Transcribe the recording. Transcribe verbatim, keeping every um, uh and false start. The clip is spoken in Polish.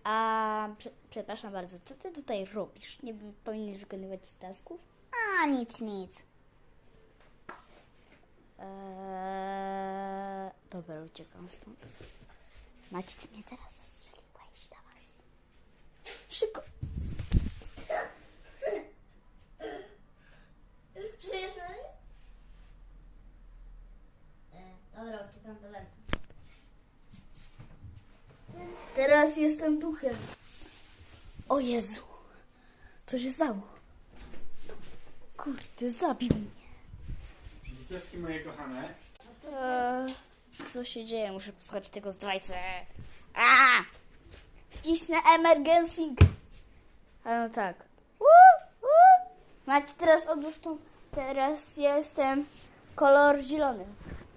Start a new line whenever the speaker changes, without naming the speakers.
A, prze, przepraszam bardzo, co ty tutaj robisz? Nie powinieneś wykonywać tasków?
A, nic, nic.
Eee, dobra, uciekam stąd. Macie, ty mnie teraz zastrzeliłeś, dawaj. Szybko. Żyjesz, Mary? Eee, dobra, uciekam do wentu. Teraz jestem duchem. O Jezu. Co się stało? Kurde, zabił mnie.
Dzieciaczki moje kochane.
Eee, co się dzieje? Muszę posłuchać tego zdrajcę. A! Wcisnę emergencing. A no tak. Woo, woo. Macie, teraz odłóż tą. Teraz jestem kolor zielony.